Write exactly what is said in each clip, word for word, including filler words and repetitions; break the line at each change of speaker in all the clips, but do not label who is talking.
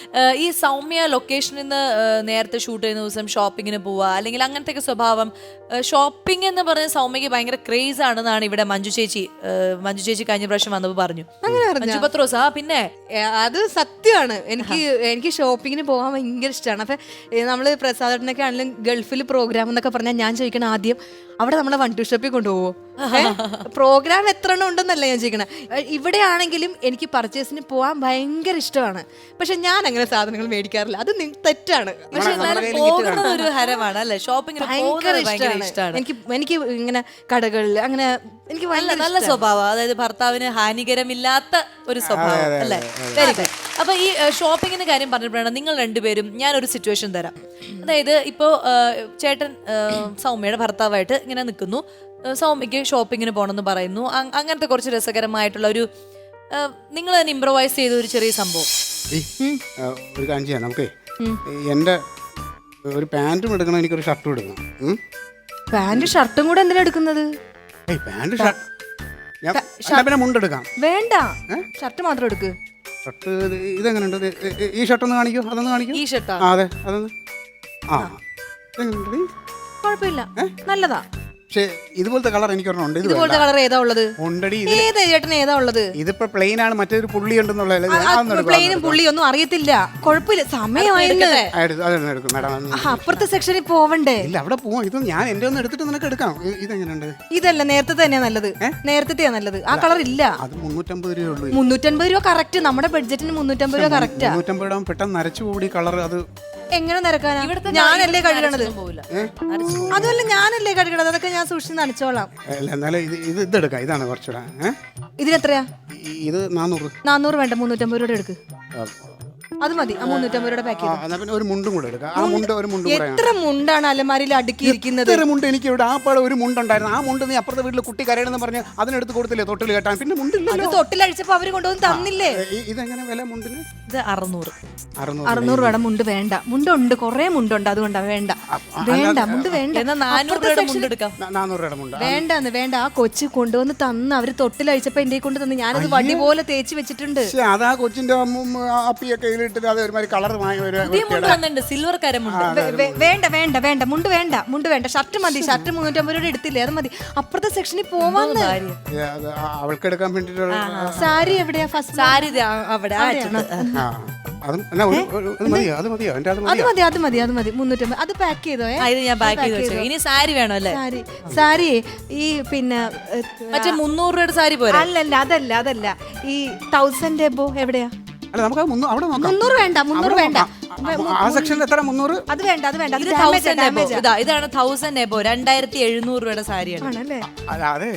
ഈ സൗമ്യ ലൊക്കേഷനിൽ നിന്ന് നേരത്തെ ഷൂട്ട് ചെയ്യുന്ന ദിവസം ഷോപ്പിങ്ങിന് പോവുക അല്ലെങ്കിൽ അങ്ങനത്തെ ഒക്കെ സ്വഭാവം, ഷോപ്പിംഗ് എന്ന് പറഞ്ഞ സൗമ്യക്ക് ഭയങ്കര ക്രേസ് ആണെന്നാണ് ഇവിടെ മഞ്ജു ചേച്ചി മഞ്ജു ചേച്ചി കഴിഞ്ഞ പ്രാവശ്യം വന്നപ്പോൾ പറഞ്ഞു. മഞ്ജു പത്രോസ്. ആ പിന്നെ
അത് സത്യമാണ്. എനിക്ക് എനിക്ക് ഷോപ്പിങ്ങിന് പോകാൻ ഭയങ്കര ഇഷ്ടമാണ്. അപ്പൊ നമ്മള് പ്രസാദേട്ടനൊക്കെ ആണെങ്കിലും ഗൾഫിൽ പ്രോഗ്രാം എന്നൊക്കെ പറഞ്ഞാൽ ഞാൻ ചോദിക്കണം ആദ്യം അവിടെ നമ്മളെ വൺ ടു ഷോപ്പിൽ കൊണ്ടുപോകുമോ, പ്രോഗ്രാം എത്ര എണ്ണം ഉണ്ടെന്നല്ല ഞാൻ ചോദിക്കണം. ഇവിടെ ആണെങ്കിലും എനിക്ക് പർച്ചേസിന് പോകാൻ ഭയങ്കര ഇഷ്ടമാണ്. പക്ഷെ ഞാൻ അങ്ങനെ സാധനങ്ങൾ മേടിക്കാറില്ല, അത് തെറ്റാണ്.
പക്ഷെ പോകുന്നത് ഒരു ഹരമാണ് അല്ലേ? ഷോപ്പിംഗ്
ഭയങ്കര ഇഷ്ടമാണ് എനിക്ക്. എനിക്ക് ഇങ്ങനെ കടകളിൽ അങ്ങനെ എനിക്ക്
നല്ല നല്ല സ്വഭാവം, അതായത് ഭർത്താവിന് ഹാനികരമില്ലാത്ത ഒരു സ്വഭാവം അല്ലേ? Very good. അപ്പൊ ഈ ഷോപ്പിങ്ങിന്റെ കാര്യം പറഞ്ഞപ്പോഴാണ് നിങ്ങൾ രണ്ടുപേരും, ഞാനൊരു സിറ്റുവേഷൻ തരാം. അതായത് ഇപ്പോ ചേട്ടൻ സൗമ്യയുടെ ഭർത്താവായിട്ട് ഇങ്ങനെ നിൽക്കുന്നു, സൗമ്യക്ക് ഷോപ്പിങ്ങിന് പോകണമെന്ന് പറയുന്നു. അങ്ങനത്തെ കുറച്ച് രസകരമായിട്ടുള്ള ഒരു നിങ്ങൾ തന്നെ ഇംപ്രവൈസ് ചെയ്ത ഒരു ചെറിയ സംഭവം.
ഒരു കാര്യം ചെയ്യാം നമുക്ക്. എൻ്റെ ഒരു പാൻറ്റും എടുക്കണം, എനിക്കൊരു ഷർട്ടും എടുക്കണം.
പാൻറ് ഷർട്ടും കൂടെ എന്തിനാ എടുക്കുന്നത്?
പാൻറ് ഷർട്ട് പിന്നെ മുണ്ടെടുക്കാം.
വേണ്ട, ഷർട്ട് മാത്രം എടുക്ക്.
ഷർട്ട് ഇതെങ്ങനെയുണ്ട്? ഈ ഷർട്ടൊന്ന് കാണിക്കൂ, അതൊന്ന് കാണിക്കൂ.
ഈ ഷർട്ടാ?
അതെ, അതൊന്ന്. ആ ഇതെങ്ങനെയുണ്ട്?
കുഴപ്പമില്ല, നല്ലതാ.
പക്ഷേ ഇതുപോലത്തെ കളർ എനിക്കൊരെണ്ണം.
ഇതുപോലത്തെ കളർ ഏതാ ഉള്ളത്? ഏതാ ചേട്ടൻ ഏതാ ഉള്ളത്?
ഇതിപ്പോ പ്ലെയിൻ ആണ്, മറ്റൊരു പുള്ളി ഉണ്ടെന്നുള്ള.
പ്ലെയിനും പുള്ളിയൊന്നും അറിയത്തില്ല, കുഴപ്പമില്ല. സമയമായിരുന്നു, അപ്പുറത്തെ സെക്ഷനിൽ പോവണ്ടേ?
ഇല്ല, അവിടെ പോവാം. ഇത് ഞാൻ എന്റെ ഒന്ന് എടുത്തിട്ട് നിനക്ക് എടുക്കാം. ഇതെങ്ങനെയുണ്ട്?
ഇതല്ല, നേരത്തെ തന്നെയാ നല്ലത്. നേരത്തെയാ നല്ലത്. ആ കളർ ഇല്ല.
അത് മുന്നൂറ്റമ്പത് രൂപ ഉള്ളൂ.
മുന്നൂറ്റമ്പത് രൂപ കറക്റ്റ്. നമ്മുടെ ബഡ്ജറ്റിന് മുന്നൂറ്റമ്പത് രൂപ കറക്റ്റ്.
മുന്നൂറ്റമ്പത് രൂപ പെട്ടെന്ന് നരച്ചു കൂടി കളർ. അത്
എങ്ങനെ നിരക്കാനാ? ഞാനല്ലേ കഴുകണത്. അതുമല്ല, ഞാനല്ലേ കഴുകണത്. അതൊക്കെ ഞാൻ സൂക്ഷിച്ച് നനച്ചോളാം.
ഇത് ഇതെടുക്കാം. ഇതാണ് കുറച്ചുകൂടെ.
ഇതിനെത്രയാ?
ഇത് നാനൂറ്.
നാനൂറ് വേണ്ട, മുന്നൂറ്റമ്പത് രൂപ എടുക്ക്. അത് മതി. ആ മുന്നൂറ്റമ്പത് രൂപ പാക്ക്
ചെയ്ത് ഒരു മുണ്ടും കൂടെ എടുക്കാം. ആ മുണ്ട് ഒരു മുണ്ട്.
എത്ര മുണ്ടാണ് അലമാരിയിൽ അടുക്കിയിരിക്കുന്നത്?
മുണ്ട് എനിക്ക് ഇവിടെ ആ പാടെ ഒരു മുണ്ടുണ്ടായിരുന്നു. ആ മുണ്ട് നീ അപ്പുറത്തെ വീട്ടിൽ കുട്ടി കരയണമെന്ന് പറഞ്ഞ് അതിനെടുത്ത് കൊടുത്തില്ലേ തൊട്ടിൽ കെട്ടാൻ? പിന്നെ മുണ്ടില്ല.
തൊട്ടിലഴിച്ചപ്പോ അവര് കൊണ്ടുവന്ന് തന്നില്ലേ?
ഇതെങ്ങനെ വില മുണ്ടിന്?
ഇത് അറുന്നൂറ്.
അറുന്നൂറ് രൂപ മുണ്ട് വേണ്ട. മുണ്ടുണ്ട്, കൊറേ മുണ്ടുണ്ട്, അതുകൊണ്ടാ വേണ്ട. വേണ്ട, മുണ്ട് വേണ്ട. വേണ്ടെന്ന് വേണ്ട. ആ കൊച്ചു കൊണ്ടുവന്ന് തന്ന് അവര് തൊട്ടിലഴിച്ചപ്പോ എന്റെ കൊണ്ട് തന്ന്. ഞാനത് വടി പോലെ തേച്ച് വെച്ചിട്ടുണ്ട്.
അതാ കൊച്ചിന്റെ അപ്പിയൊക്കെ
സിൽവർ കരമുണ്ട്.
വേണ്ട വേണ്ട വേണ്ട, മുണ്ട് വേണ്ട, മുണ്ട് വേണ്ട. ഷർട്ട് മതി. ഷർട്ട് മുന്നൂറ്റമ്പത് രൂപ എടുത്തില്ലേ, അത് മതി. അപ്പുറത്തെ സെക്ഷനിൽ പോവാന്ന്.
അവൾക്ക് എടുക്കാൻ വേണ്ടിട്ട്
സാരി എവിടെയാ? ഫസ്റ്റ് സാരി അവിടെ.
അത് മതി, അത് മതി,
അത് മതി, അത് മതി. മുന്നൂറ്റമ്പത്. അത് പാക്ക് ചെയ്തോ?
ഞാൻ പാക്ക് ചെയ്തു. ഇനി സാരി വേണോ? അല്ലേ,
സാരി. സാരി ഈ പിന്നെ
മറ്റേ മുന്നൂറ് രൂപയുടെ സാരി പോരാ?
അല്ലല്ല, അതല്ല, അതല്ല. ഈ തൗസൻഡ് എബോ എവിടെയാ?
അല്ല, നമുക്ക് അവിടെ നോക്കാം.
മുന്നൂറ് വേണ്ട, മുന്നൂറ് വേണ്ട.
ആ സെക്ഷനിൽ എത്ര? മുന്നൂറ്.
അത് വേണ്ട, അത് വേണ്ട.
ഇതാണ് തൗസൻഡ് എബോ, രണ്ടായിരത്തി എഴുന്നൂറ് രൂപയുടെ സാരിയാണ്.
അതെ.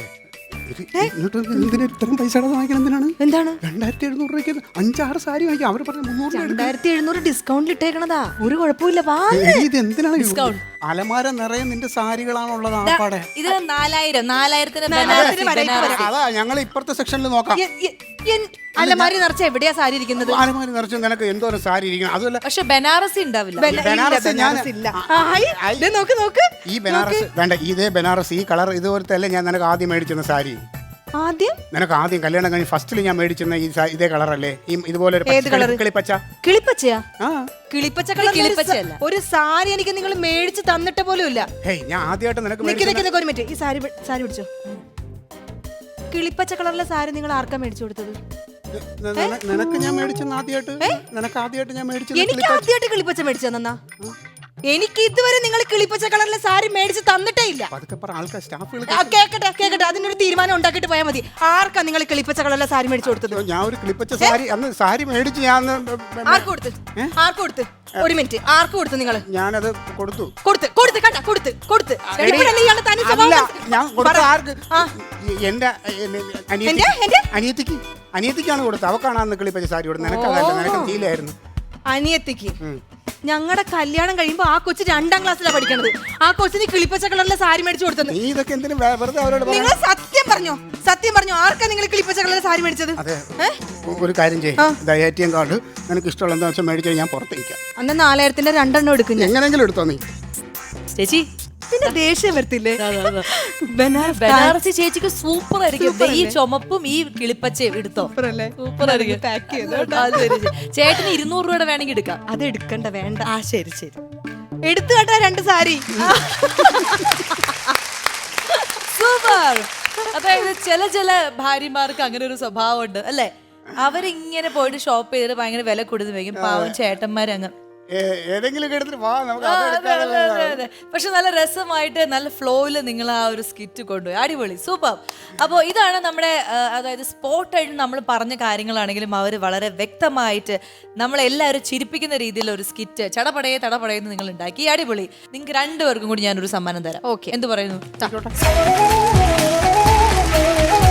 ഇത്രയും പൈസ വാങ്ങിക്കണം എന്തിനാണ്?
എന്താണ്
രണ്ടായിരത്തി എഴുന്നൂറ് രൂപയ്ക്ക് അഞ്ചാറ് സാരി വാങ്ങിക്കാം. അവർ പറഞ്ഞ മുന്നൂറ്.
രണ്ടായിരത്തി എഴുന്നൂറ് ഡിസ്കൗണ്ട് ഇട്ടേക്കണതാ. ഒരു കുഴപ്പമില്ല.
ഇത് എന്തിനാണ് ഡിസ്കൗണ്ട്? അലമാര നിറയെ നിന്റെ സാരികളാണുള്ളത്. ആപ്പാടെ
ഇത് നാലായിരം നാലായിരത്തിന്
അതാ ഞങ്ങൾ ഇപ്പുറത്തെ സെക്ഷനിൽ നോക്കാം.
അലമാരി നിറച്ച എവിടെയാ സാരി ഇരിക്കുന്നത്?
അലമാരി നിറച്ച് നിനക്ക് എന്തോരം സാരി ഇരിക്കണം. അതുമല്ല,
പക്ഷെ ബനാറസി ഉണ്ടാവില്ല.
ബനാറസ് ഞാൻ
നോക്ക് നോക്ക്.
ഈ ബനാറസ് വേണ്ട. ഇതേ ബനാറസ് ഈ കളർ ഇതുപോലത്തെ അല്ലേ ഞാൻ നിനക്ക് ആദ്യം മേടിച്ചിരുന്ന സാരി?
ആദ്യം
നിനക്ക് ആദ്യം കല്യാണം കഴിഞ്ഞ് ഫസ്റ്റിൽ ഞാൻ മേടിച്ചിരുന്ന ഈ ഇതേ കളറല്ലേ? ഈ ഇതുപോലെ കിളിപ്പച്ച.
കിളിപ്പച്ചയാ? കിളിപ്പച്ച കളർ ഒരു സാരി എനിക്ക് നിങ്ങൾ മേടിച്ച് തന്നിട്ട് പോലും ഇല്ല.
ഞാൻ ആദ്യമായിട്ട് നിനക്ക്
ഒരു മിനിറ്റ്. ഈ സാരി സാരി പിടിച്ചോ. കിളിപ്പച്ച കളറിലെ സാരി നിങ്ങൾ ആർക്കാ മേടിച്ചു കൊടുത്തത്?
നിനക്ക് ഞാൻ മേടിച്ചെന്ന് ആദ്യമായിട്ട്. നിനക്ക് ആദ്യമായിട്ട് ഞാൻ മേടിച്ചത്.
എനിക്ക് ആദ്യമായിട്ട് കിളിപ്പച്ച മേടിച്ചു തന്നാ? എനിക്ക് ഇതുവരെ നിങ്ങൾ കിളിപ്പച്ച കളറിലെ സാരി മേടിച്ച് തന്നിട്ടേ ഇല്ല. കേക്കട്ടെ കേക്കട്ടെ, അതിനൊരു തീരുമാനം ഉണ്ടാക്കിയിട്ട് പോയാൽ മതി. ആർക്കാ നിങ്ങൾ കിളിപ്പച്ച കളറിലെ സാരി മേടിച്ചു കൊടുത്തത്?
ഞാൻ ഒരു കിളിപ്പച്ച സാരി അന്ന് സാരി മേടിച്ച് ഞാൻ
ആർക്ക് കൊടുത്ത്? ആർക്ക് കൊടുത്ത്? ഒരു മിനിറ്റ്. ആർക്ക് കൊടുത്ത് നിങ്ങൾ?
ഞാനത് കൊടുത്തു
കൊടുത്ത് കൊടുത്ത് കണ്ട കൊടുത്ത് കൊടുത്ത്
ഞാൻ കൊടുത്ത ആർക്ക്? എന്റെ അനിയത്തിക്ക്. അനിയത്തിക്കാണ് കൊടുത്തത്. അവക്കാണ് അന്ന് കിളിപ്പച്ച സാരി കൊടുത്തത്. നിനക്കതല്ല, നിനക്ക് തീലായിരുന്നു.
അനിയത്തിക്ക്. ഞങ്ങളുടെ കല്യാണം കഴിയുമ്പോ ആ കൊച്ചു രണ്ടാം ക്ലാസ്സിലാണ് പഠിക്കണത്. ആ കൊച്ചിന് കിളിപ്പച്ച കളറിലെ സാരി മേടിച്ചു കൊടുത്തത്. നിങ്ങൾ സത്യം പറഞ്ഞോ? സത്യം പറഞ്ഞോ? ആർക്കാ നിങ്ങൾ കിളിപ്പച്ച കളറിലെ സാരി മേടിച്ചത്?
ഒരു കാര്യം ചെയ്യും, എ ടി എം കാർഡ് നിനക്ക് ഇഷ്ടമുള്ള എന്താ വെച്ചാൽ മേടിച്ചാൽ ഞാൻ പുറത്തേക്കാം.
അന്ന് നാലായിരത്തിന്റെ രണ്ടെണ്ണം എടുക്കും.
എങ്ങനെങ്കിലും എടുത്തോ നീ.
ചേച്ചി
പിന്നെ ദേഷ്യം വരത്തില്ലേ? ബനാറസ്
ബനാറസി ചേച്ചിക്ക് സൂപ്പർ ആയിരിക്കും. ദേ ഈ ചുമപ്പും ഈ കിളിപ്പച്ചയും എടുത്തോ,
സൂപ്പർ അല്ലേ?
സൂപ്പർ ആയിരിക്കും.
പാക്ക് ചെയ്തോ.
അത് ശരി, ശരി. ചേട്ടന് ഇരുന്നൂറ് രൂപയുടെ വേണമെങ്കിൽ എടുക്കാം.
അത് എടുക്കണ്ട, വേണ്ട.
ആ ശരി ശരി,
എടുത്തു കേട്ടാ രണ്ട് സാരി.
സൂപ്പർ. അതായത് ചില ചില ഭാര്യമാർക്ക് അങ്ങനെ ഒരു സ്വഭാവം ഉണ്ട് അല്ലേ? അവരിങ്ങനെ പോയിട്ട് ഷോപ്പ് ചെയ്തിട്ട് ഭയങ്കര വില കൊടുത്ത് വയ്ക്കും. പാവം ചേട്ടന്മാരങ്ങ്
ഏതെങ്കിലും എടുത്തിട്ട് വാ നമുക്ക്
ആ,
അത്
അതെ,
എടുക്കാനല്ലേ.
അതെ, അതെ, അതെ. പക്ഷെ നല്ല രസമായിട്ട് നല്ല ഫ്ലോയില് നിങ്ങൾ ആ ഒരു സ്കിറ്റ് കൊണ്ടുപോയി. അടിപൊളി, സൂപ്പർ. അപ്പോൾ ഇതാണ് നമ്മുടെ ആ, അതായത് സ്പോട്ടായിട്ട് നമ്മൾ പറഞ്ഞ കാര്യങ്ങളാണെങ്കിലും അവർ വളരെ വ്യക്തമായിട്ട് നമ്മളെല്ലാവരും ചിരിപ്പിക്കുന്ന രീതിയിൽ ഒരു സ്കിറ്റ് ചടപടയെ തടപടയെന്ന് നിങ്ങൾ ഉണ്ടാക്കി. അടിപൊളി. നിങ്ങൾക്ക് രണ്ടുപേർക്കും കൂടി ഞാനൊരു സമ്മാനം തരാം.
Okay.
എന്ത് പറയുന്നു?
ടാ.